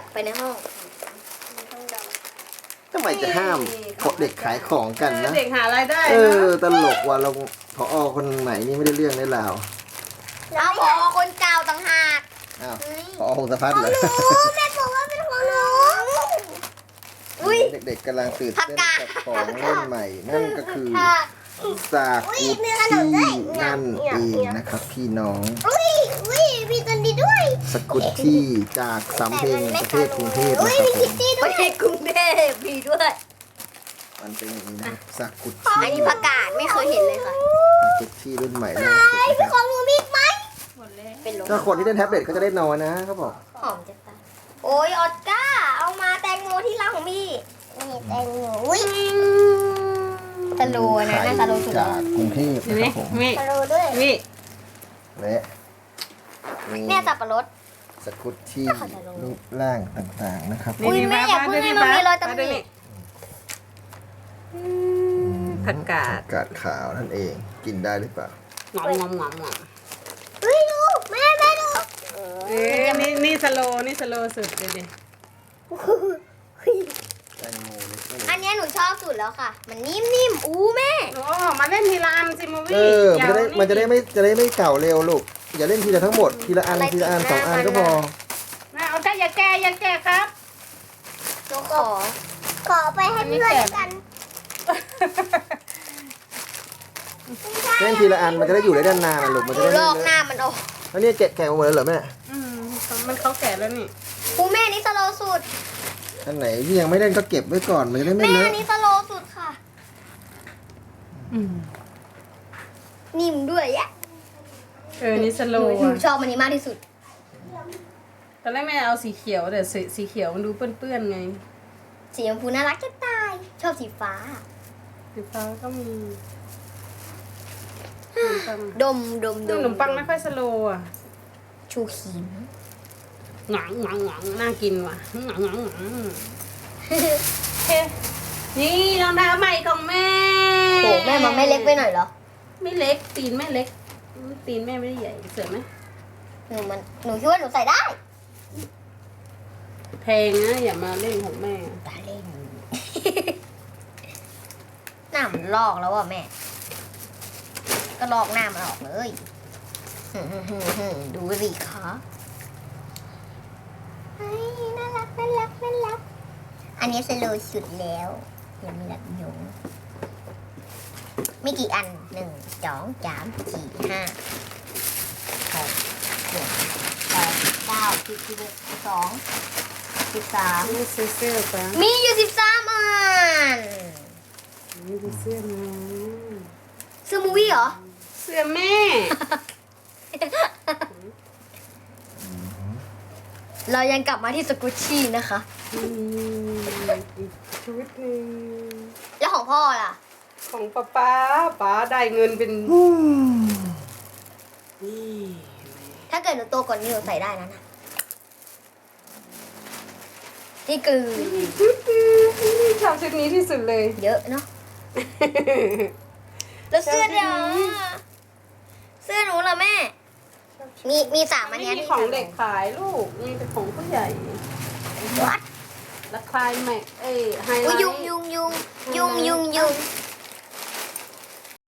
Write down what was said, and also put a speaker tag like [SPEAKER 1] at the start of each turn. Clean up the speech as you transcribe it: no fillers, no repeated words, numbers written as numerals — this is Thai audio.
[SPEAKER 1] ไปในห้อง
[SPEAKER 2] ทำไมจะห้ามเด็กขายของกันนะ
[SPEAKER 3] เด็กหารายได้
[SPEAKER 2] ตลกว่ะเราผอคนใหม่นี่ไม่ได้เรื่องได้ราว
[SPEAKER 1] เอาพอคนเก่าต่างหาก
[SPEAKER 2] อ้าวผอพงศพัฒน์เหรอ
[SPEAKER 1] แม่บอกว่าเป็นของหนู
[SPEAKER 2] เด็กๆกำลังตื่นเต้นกับของเล่นใหม่ นั่นก็คือสากุที่นั่นเองนะครับพี่น้อง
[SPEAKER 1] อุ้ยมีตัวนี้ด้วย
[SPEAKER 2] สกุตที่จากสำเพ็งประเทศกรุงเทพนะครับผม
[SPEAKER 1] ประเทศกรุงเทพมีด้วย
[SPEAKER 2] มันเป็นอย่างนี้นะสกุต
[SPEAKER 1] อันนี้ประกาศไม่เคยเห็นเลยค่ะ
[SPEAKER 2] สกุตที่รุ่นใหม่ล่าสุดนะครับ
[SPEAKER 1] ของหนูมีไหม
[SPEAKER 3] หมดแล้ว
[SPEAKER 1] เป็นลม
[SPEAKER 2] ถ้าคนที่เล่นแท็บเล็ตเขาจะได้นอนนะเขาบอก
[SPEAKER 1] หอมจะตายโอ้ยออสการ์เอามาแตงโมที่ร้านของพี่นี่แตงโมอุ้ยสโลว์นะน่าสโลว์สุด
[SPEAKER 2] จากกรุงเทพ
[SPEAKER 3] เห็น
[SPEAKER 2] นะ
[SPEAKER 3] ไหม
[SPEAKER 2] ครับผม
[SPEAKER 3] นี่
[SPEAKER 1] สโลว์ด้วย
[SPEAKER 3] นี่
[SPEAKER 2] และมี
[SPEAKER 1] แม่สับปะรด
[SPEAKER 2] สกุตที่รูปร่างต่างๆนะครับผม
[SPEAKER 1] อุ๊ยแม่อย่าเพิ่งให้มันมีรอยตำหนิ
[SPEAKER 3] ผักกาด
[SPEAKER 2] กาดขาวนั่นเองกินได้หรือเปล่า
[SPEAKER 3] หงอมหงอมหงอมหงอม
[SPEAKER 1] เฮ้ยดูแม่ดู
[SPEAKER 3] นี่สโลนี่สโลสุดเลยดิ
[SPEAKER 2] แตงโมเล็ก
[SPEAKER 1] อันเนี้ยหนูชอบสุดแล้วค่ะ มันนิ่มๆอู้แม่
[SPEAKER 3] โอ้มาเล่นทีละอันสิมูวี่
[SPEAKER 2] มันจะได้ไม่เก่าเร็วลูกอย่าเล่นทีละทั้งหมดทีละอันทีละอัน2 อันก็พอ
[SPEAKER 3] นะเอาแต่อย่าแกครับ
[SPEAKER 1] หนูขอไปให้เพื่อนกัน
[SPEAKER 2] เล่นทีละอันมันจะได้อยู่ได้นานๆนะลูกมันจะได้
[SPEAKER 1] ลอกหน้ามันออก
[SPEAKER 2] แล้วเนี่ยแกะมาหมดแล้วเหรอแม่
[SPEAKER 3] มันเขาแก่แล้วนี่
[SPEAKER 1] อู้แม่นี่สโลว์สุด
[SPEAKER 2] อันไหนที่ยังไม่เล่นก็เก็บไว้ก่อนมันจะได้ไม่
[SPEAKER 1] แม่
[SPEAKER 2] เลอะ
[SPEAKER 1] อันนี้สโลว์สุดค่ะ นิ่มด้วยแยะ
[SPEAKER 3] นี่สโล
[SPEAKER 1] หนูชอบอันนี้มากที่สุด
[SPEAKER 3] ตอนแรกแม่เอาสีเขียวแต่สีเขียวมันดูเปื้อนๆไง
[SPEAKER 1] สีชมพูน่ารักจะตาย ชอบสีฟ้า
[SPEAKER 3] สีฟ้าก็มี
[SPEAKER 1] ดม
[SPEAKER 3] ขนมปังไม่ค่อยสโลอ่ะ
[SPEAKER 1] ชูครีม
[SPEAKER 3] หงังหงังหงังน่ากินว่ะหงังหงังหงังนี่รองเท้าใหม่ของแม่
[SPEAKER 1] โหแม่มันไม่เล็กไปหน่อยเหรอ
[SPEAKER 3] ไม่เล็กตีนแม่เล็กตีนแม่ไม่ได้ใหญ่เสือไหม
[SPEAKER 1] หนูคิดว่าหนูใส่ได้
[SPEAKER 3] แพงนะอย่ามาเล่นของแม่
[SPEAKER 1] ตาเล่น หน้ามันลอกแล้วอ่ะแม่ ก็ลอกหน้ามันออกเลย ดูสิคะน่ารัก อันนี้สโลว์สุดแล้วยังมีหลักยงไม่กี่อัน1 2 3 4 5 6 7 8 9 10 11 12 13
[SPEAKER 3] นี่ซื้อเสื้อปะ
[SPEAKER 1] มีอยู่13 อัน
[SPEAKER 3] นี่ดูเสื้อมา
[SPEAKER 1] เสื้อมูวี่เหรอ
[SPEAKER 3] เสื้อแม่
[SPEAKER 1] เรายังกลับมาที่สกุชชี่นะคะ
[SPEAKER 3] อีกชุดหนึง
[SPEAKER 1] แล้วของพ่อล่ะ
[SPEAKER 3] ของป้าได้เงินเป็นนี่
[SPEAKER 1] ถ้าเกิดหนูโตกว่านี้หนูใส่ได้นะนี่คือ
[SPEAKER 3] ชอบชุดนี้ที่สุดเลย
[SPEAKER 1] เยอะเนาะ แล้วเสื้อเดี๋ยวเสื้อหนูล่ะแม่ มี3 อัน
[SPEAKER 3] ไม่
[SPEAKER 1] เนี้ย
[SPEAKER 3] มี
[SPEAKER 1] ที่
[SPEAKER 3] ของเด็กขายลูกมีแต่ของผู้ใหญ่
[SPEAKER 1] วัด
[SPEAKER 3] และคลายแม็กไฮไล
[SPEAKER 1] อุ้ย
[SPEAKER 3] ท์
[SPEAKER 1] ยุง